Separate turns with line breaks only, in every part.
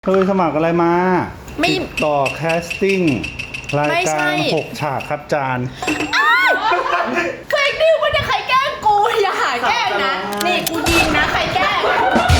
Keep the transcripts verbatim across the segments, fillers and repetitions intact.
เคยสมัครอะไรมา
ไม่
ติดต่อแคสติ้งรายการหกฉากครับจาน
เฟกนิวมันจะใครแกล้งกูอย่าหาแกล้งนะนี่กูยิงนะใครแกล้ง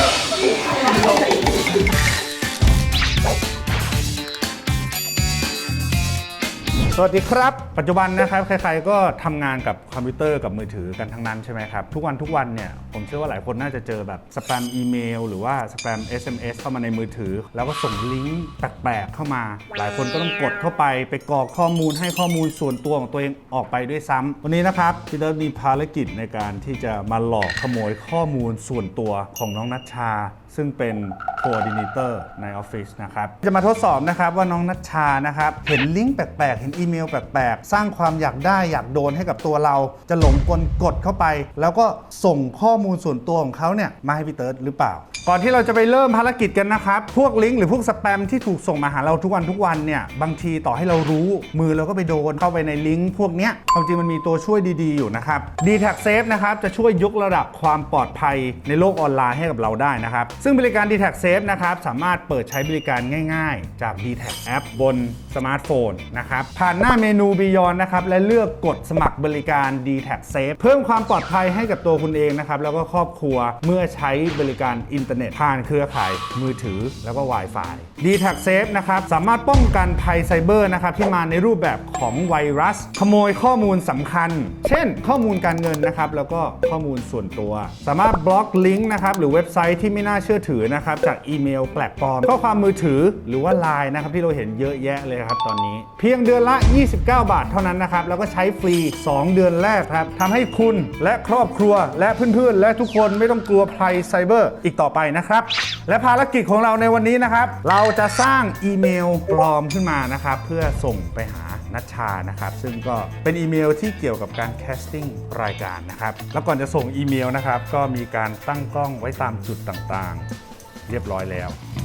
สวัสดีครับปัจจุบันนะครับใครๆก็ทำงานกับคอมพิวเตอร์กับมือถือกันทั้งนั้นใช่ไหมครับทุกวันทุกวันเนี่ยผมเชื่อว่าหลายคนน่าจะเจอแบบสแปมอีเมลหรือว่าสแปม เอส เอ็ม เอส เข้ามาในมือถือแล้วก็ส่งลิงก์แปลกๆเข้ามาหลายคนก็ต้องกดเข้าไปไปกรอกข้อมูลให้ข้อมูลส่วนตัวของตัวเองออกไปด้วยซ้ำวันนี้นะครับพี่เติร์ดมีภารกิจในการที่จะมาหลอกขโมยข้อมูลส่วนตัวของน้องนัชชาซึ่งเป็นโคออร์ดิเนเตอร์ในออฟฟิศนะครับจะมาทดสอบนะครับว่าน้องนัชชานะครับเห็นลิงก์แปลกๆเห็นอีเมลแปลกๆสร้างความอยากได้อยากโดนให้กับตัวเราจะหลงกลกดเข้าไปแล้วก็ส่งข้อมูลส่วนตัวของเขาเนี่ยมาให้พี่เติร์ดหรือเปล่าก่อนที่เราจะไปเริ่มภารกิจกันนะครับพวกลิงก์หรือพวกสแปมที่ถูกส่งมาหาเราทุกวันทุกวันเนี่ยบางทีต่อให้เรารู้มือเราก็ไปโดนเข้าไปในลิงก์พวกเนี้ยความจริงมันมีตัวช่วยดีๆอยู่นะครับ ดี แท็ก Safe นะครับจะช่วยยกระดับความปลอดภัยในโลกออนไลน์ให้กับเราได้นะครับซึ่งบริการ ดี แท็ก Safe นะครับสามารถเปิดใช้บริการง่ายๆจาก ดี แท็ก App บนสมาร์ทโฟนนะครับผ่านหน้าเมนู Beyond นะครับและเลือกกดสมัครบริการ ดี แท็ก Safe เพิ่มความปลอดภัยให้กับตัวคุณเองนะครับแล้วก็ครอบครัวเมื่อใช้บริการอินเทอร์เน็ตผ่านเครือข่ายมือถือแล้วก็ Wi-Fi ดี แท็ก Safe นะครับสามารถป้องกันภัยไซเบอร์นะครับที่มาในรูปแบบของไวรัสขโมยข้อมูลสำคัญเช่นข้อมูลการเงินนะครับแล้วก็ข้อมูลส่วนตัวสามารถบล็อกลิงก์นะครับหรือเว็บไซต์ที่ไม่น่าเชื่อถือนะครับจากอีเมลแปลกปลอมข้อความมือถือหรือว่า ไลน์ นะครับที่เราเห็นเยอะแยะเลยครับตอนนี้เพียงเดือนละยี่สิบเก้าบาทเท่านั้นนะครับแล้วก็ใช้ฟรีสองเดือนแรกครับทำให้คุณและครอบครัวและเพื่อนๆและทุกคนไม่ต้องกลัวภัยไซเบอร์อีกต่อไปนะครับและภารกิจของเราในวันนี้นะครับเราจะสร้างอีเมลปลอมขึ้นมานะครับเพื่อส่งไปหานัชชานะครับซึ่งก็เป็นอีเมลที่เกี่ยวกับการแคสติ้งรายการนะครับแล้วก่อนจะส่งอีเมลนะครับก็มีการตั้งกล้องไว้ตามจุดต่างๆเรียบร้อยแล้ว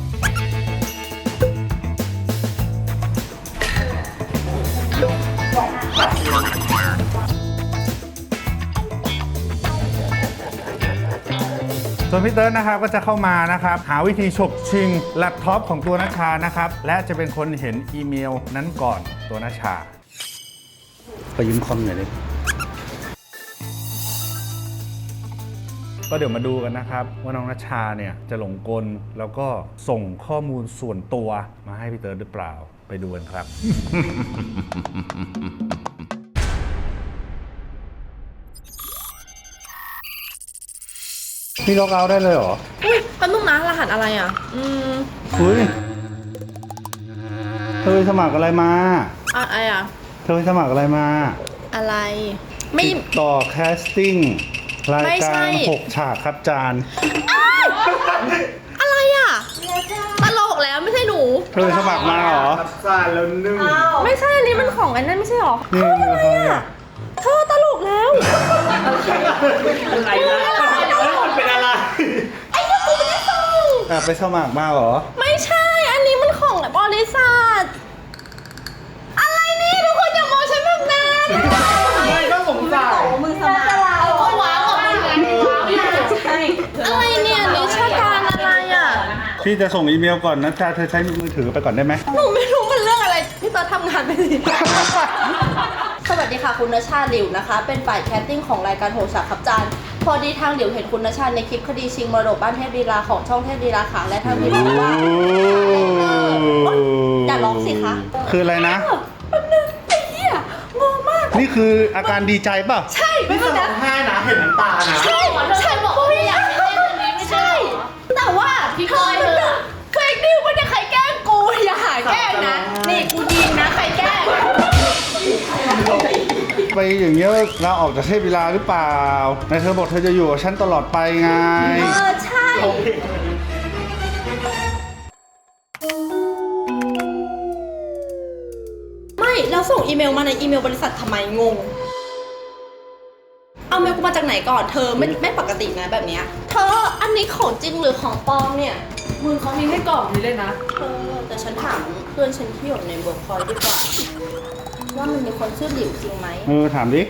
ส่วนพี่เติร์ดนะครับก็จะเข้ามานะครับหาวิธีฉกชิงแล็ปท็อปของตัวนัชชานะครับและจะเป็นคนเห็นอีเมลนั้นก่อนตัวนัชชาไปยืมคอมหน่อยเลยก็เดี๋ยวมาดูกันนะครับว่าน้องนัชชาเนี่ยจะหลงกลแล้วก็ส่งข้อมูลส่วนตัวมาให้พี่เติร์ดหรือเปล่าไปดูกันครับ พี่ล็อกเอาท์ได้เลยเหรอ
อุ้ยแป๊บนึงนะรหัสอะไรอ่ะอืม
อุ้ยเธอสมัครอะไรมา
อะไรอ่ะ
เธอสมัครอะไรมา
อะไรไม่
ติดต่อแคสติ้งรายการหกฉากครับจาน
อะไรอ่ะตลกแล้วไม่ใช่หนู
เธอสมัครมาเหรอจานแล้วนึ่ง
ไม่ใช่อันนี้มันของอันนั้นไม่ใช่หรอ
นี่อะไรอ่ะ
เธอตลกแล้ว
อะไรนะเป็นอะไร
ไอ้นี่กูไม่ได้ส่ง
อ่ะไปสมัครมาเหรอ
ไม่ใช่อันนี้มันของบริษัทอะไรนี่ทุกคนอย่ามองฉันแบบนั้น
ไม่ก็สงสัย
มือสมัครเอาตัววางกับมืออะไรเนี่ยนิชาการอะไรอ่ะ
พี่จะส่งอีเมลก่อนนะจ๊ะเธอใช้มือถือไปก่อนได้ไหม
หนูไม่รู้มันเรื่องอะไรพี่ตอนทำงานไปสิสวัสดีค่ะคุณณชาหลิวนะคะเป็นฝ่ายแคสติ้งของรายการโหฉากครับจานพอดีทางหลิวเห็นคุณณชาในคลิปคดีชิงมรดกบ้านเทพลีลาของช่องเทพลีลาค่ะและทางพี่บอกว่าอย่าร้องสิคะ
คืออะไรนะ
มันนึงไอ้เหี้ยงงมาก
นี่คืออาการดีใจป่ะ
ใช่
ไม่ต้องร้องไห้นะเห็นน้ำตานะ
ใช่ใช่บอกว่าอยากเล่นอันนี้ไม่ใช่แต่ว่าพี่เคยเธอเฟกนิวมันจะใครแกล้งกูอย่าหาแกล้งนะนี่กูยิงนะใครแกล้ง
ไปอย่างเงี้ยเราออกจากเทพลีลาหรือเปล่านายเธอบอกเธอจะอยู่กับฉันตลอดไปไง
เออใช่ไม่เราส่งอีเมลมาในอีเมลบริษัททำไมงงเอาเมลกูมาจากไหนก่อนเธอไม่ไม่ปกตินะแบบเนี้ยเธออันนี้ของจริงหรือของปลอมเนี่ย
มึงเขามีให้กล่องนี้เลยนะ
เธอแต่ฉันถามเพื่อนฉันที่อยู่ในเวิร์กพอยต์ดีกว่าว่ามันมีคนชื่อหลิวจริงไหม
เออถามดิ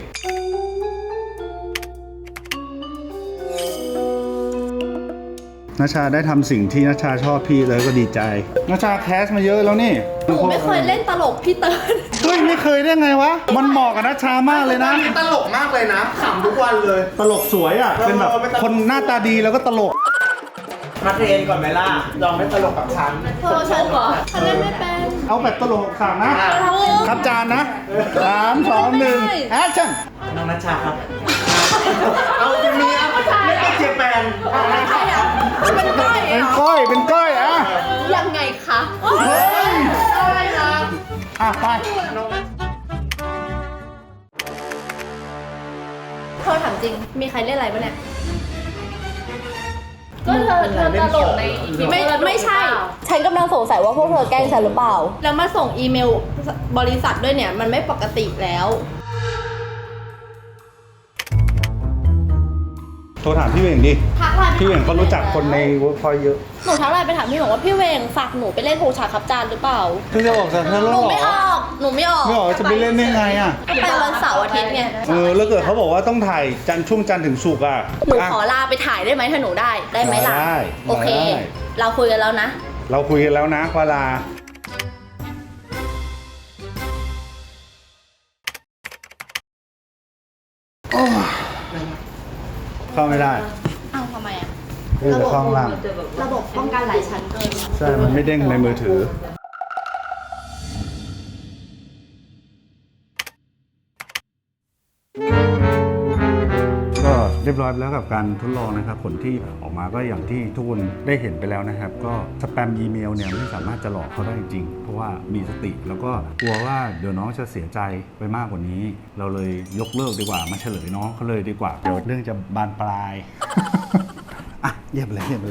นัชชาได้ทำสิ่งที่นัชชาชอบพี่เลยก็ดีใจนัชชาแคสมาเยอะแล้วนี่
หนูไม่เคยเล่นตลกพี่เติร์น
เฮ้ยไม่เคยได้ไงวะมันเหมาะกับนัชชามากเลยนะ
ตลกมากเลยนะขำทุกวันเลย
ตลกสวยอ่ะเป็นแบบคนหน้าตาดีแล้วก็ตลก
มาเทรนก่อนไหมล่ะลองไม่ตลกกับฉัน
โทรฉันเหรอฉันเล่นไม่เป็น
เอาแบบตลกสั่งนะ
เอาเลย
ครับจานนะสามสองหนึ่งแอคชั่น
น้องนัชชาครับ เอาจะมีอ่ะไม่เอาเจแปน
ใครอ่ะเป็นก้อย
เป็น
เหรอ
ก้อยเป็นก้อยอ่ะ
ยังไงคะ
เฮ้ย
อะไรนะ
อ่ะไป
เธอถามจริงมีใครเล่นอะไรปะเนี่ยก็เธอเธอตลกในไม่ไม่ใช่ ฉันกำลังสงสัยว่าพวกเธอแกล้งฉันหรือเปล่า แล้วมาส่งอีเมลบริษัทด้วยเนี่ยมันไม่ปกติแล้ว
โทรถามพี่เวงดิ
ทักไลน์
พี่เวงเขารู้จักคนในเวิร์กพอยต์เยอะ
หนูทักไลน์ไปถามพี่บอกว่าพี่เวงฝากหนูไปเล่นโฮชาคับจานหรือเปล่า
เพิ่งจะออกจากเธอ
ห
แล้ว
นู
เหร
ไม่อ
อ
อกหนูไม่ออก
ไม่ออกจะไปเล่นได้ไงอ่ะ
ก็ไปวันเสาร์อาทิตย์ไง
เออแล้วเกิดเขาบอกว่าต้องถ่ายจันทร์ช่วงจันทร์ถึงศุกร์อ่ะ
หนู
อ่ะ
ขอลาไปถ่ายได้ไหมถ้าหนูได้ได้ไหมล่ะ
ได้
โอเค
ได้
เราคุยกันแล้วนะ
เราคุยกันแล้วนะวาลาโอ้เข้าไม่ได้
อ้าวทำไมอ่ะ
เออเข้าข้างล่าง
ระบบป้องกันหลายชั้นเกิน
ใช่ มันไม่เด้งในมือถือ ก็เรียบร้อยไปแล้วกับการทดลองนะครับ ผลที่ออกมาก็อย่างที่ทุกคนได้เห็นไปแล้วนะครับ ก็สแปมอีเมลเนี่ยไม่สามารถจะหลอกเขาได้จริง เพราะว่ามีสติแล้วก็กลัวว่าเดี๋ยวน้องจะเสียใจไปมากกว่านี้ เราเลยยกเลิกดีกว่ามาเฉลยน้องเขาเลยดีกว่า เดี๋ยวเรื่องจะบานปลาย อ่ะเยี่ยมเลยเยี่ยมเลย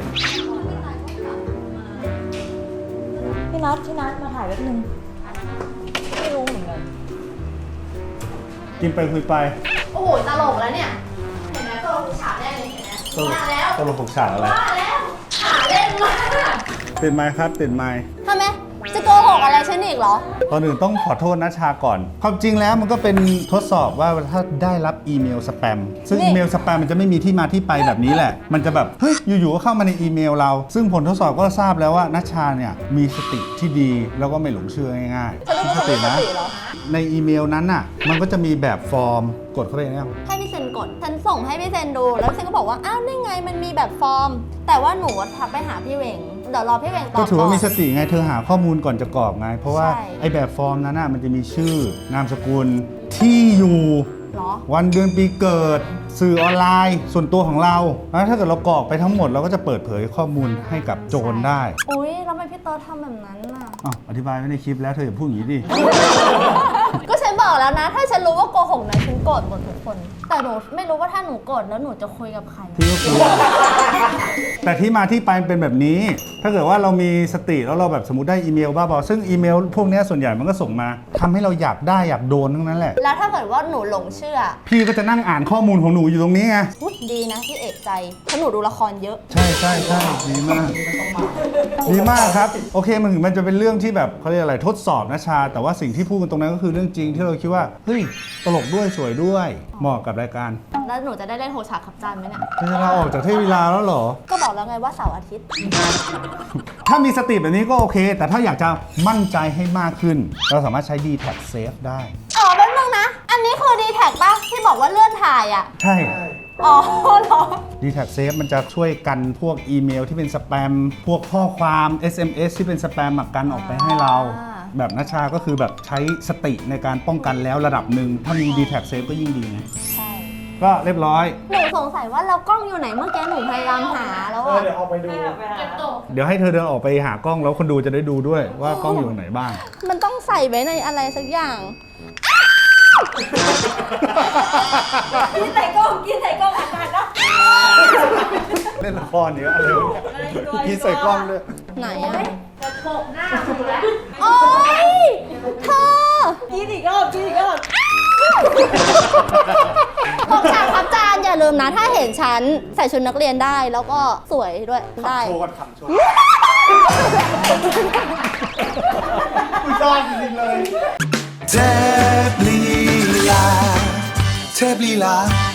พี่นัทพี่นัทมาถ่ายแป๊บนึง ไม่รู้เหมือนกัน
กินไปคุยไป
โอ้โหตลกแล้วเนี่ย เห็นไหมตลกฉาบแรกเลยเห็นไหม
ตลก
มาแล้ว
ตลกหกฉากอะไร
มาแล้วหาเล่นมาก
ติดไมค์ครับติดไมค์
ทำไมจะโกหกอะไรฉันอีกเหรอ
ตอนอื่นต้องขอโทษนัชชาก่อน ความจริงแล้วมันก็เป็นทดสอบว่าถ้าได้รับอีเมลสแปม ซึ่ง
นี่
อีเมลสแปมมันจะไม่มีที่มาที่ไปแบบนี้แหละ มันจะแบบ เฮ้ย อยู่ๆ ก็เข้ามาในอีเมลเรา ซึ่งผลทดสอบก็ทราบแล้วว่านัชชาเนี่ยมีสติที่ดีแล้วก็ไม่หลงเชื่อง่าย
ฉันรู้ว่าเธอไม่สติเหรอ
ในอีเมลนั้นน่ะ มันก็จะมีแบบฟอร์ม กดเข้าไปเนี่ย
ให้พี่เซนกด ฉันส่งให้พี่เซนดู แล้วพี่เซนก็บอกว่า อ้าวนี่ไงมันมีแบบฟอร์ม แต่ว่าหนูทักไปหาพี่เวง เดี๋ยวรอพี่เวงตอบ
ก็ถือว่ามีส
ก่น
ติไง เธอหาข้อมูลก่อนจะกรอกไง เพราะว่า
ใช่
ไอ้แบบฟอร์มนั้นน่ะมันจะมีชื่อ นามสกุล ที่อยู่
เหรอ
วันเดือนปีเกิด สื่อออนไลน์ ส่วนตัวของเราแล้วถ้าเกิดเรากรอกไปทั้งหมดเราก็จะเปิดเผยข้อมูลให้กับโจรได้
อุ้ยแล้วทำไมพี่เติร์ดทำแบบนั้นน่ะ
อ้าวอธิบายไว้ในคลิปแล้วเธออย่าพูดอย่างนี้ดิ
ก็ฉันบอกแล้วนะ ถ้าฉันรู้ว่าโกหกนะฉันโกรธหมดทุกคน แต่หนูไม่รู้ว่าถ้าหนูโกรธแล้วหนูจะคุยกับใคร
พี่ก็กลัว แต่ที่มาที่ไปเป็นแบบนี้ ถ้าเกิดว่าเรามีสติแล้วเราแบบสมมติได้อีเมลบ้าบอซึ่งอีเมลพวกเนี้ยส่วนใหญ่มันก็ส่งมาทำให้เราอยากได้อยากโดนทั้งนั้นแหละ
แล้วถ้าเกิดว่าหนูหลงเชื่อ
พี่ก็จะนั่งอ่านข้อมูลของหนูอยู่ตรงนี้ไง
อุ๊ยดีนะที่เอกใจเพราะหนูดูละครเยอะ
ใช่ใช่ใช่ดีมาก ดีมากครับ โอเคมันถึงมันจะเป็นเรื่องที่แบบเขาเรียกอะไรทดสอบนะชา แต่ว่าสิ่งที่พูดกันตรงนั้นก็คือเรื่องจริงที่เราคิดว่าเฮ้ยตลกด้วยสวยด้วยเหมาะกับรายการ
แล้วหนูจะได้เล่นโฮชาขับจานไหมเนี่ย
จะลาออกจากเทพวีลาแล้วเหรอ
ก็บอกแล้วไงว่าเสาร์อาทิตย์
ถ้ามีสติแบบนี้ก็โอเค แต่ถ้าอยากจะมั่นใจให้มากขึ้น เราสามารถใช้ ดี แท็ก Safe ได้
อ๋อแป๊บนึงนะ อันนี้คือดีแท็กป่ะที่บอกว่าเลื่อนถ่ายอ่ะ
ใช่
อ๋อเหรอ
ดี แท็ก Safe มันจะช่วยกันพวกอีเมลที่เป็นสแปม พวกข้อความ เอส เอ็ม เอส ที่เป็นสแปมอะกันออกไปให้เรา
อ่า
แบบนัชชาก็คือแบบใช้สติในการป้องกันแล้วระดับหนึ่ง ถ้ามี ดี แท็ก Safe ก็ยิ่งดีไง
ใช่
ก็เรียบร้อย
หนูสงสัยว่าเรากล้องอยู่ไหนเมื่อกี้หนูพยายามหาแล้วอ่ะ
เดี๋ยวออกไปดู
เดี๋ยวให้เธอเดินออกไปหากล้องแล้วคนดูจะได้ดูด้วยว่ากล้องอยู่ตรงไหนบ้าง
มันต้องใส่ไว้ในอะไรสักอย่าง
กินใส่กล้องกินใส่กล้องอัดมาแล้ว
เล่นละครเยอะอะไรวะเนี่ยพี่ใส่กล้องด้วย
ไหนอ่ะ
จะโปกหน้าคุณแล้ว
โอ๊ยเธอ
กินอีกรอบกินอีกรอบ
พกฉากครับจานอย่าลืมนะ ถ้าเห็นฉันใส่ชุดนักเรียนได้แล้วก็สวยด้วยได้
โชว์กันขำโชว์กูชอบจริงๆเลย
เทพลีลาเทพลีลา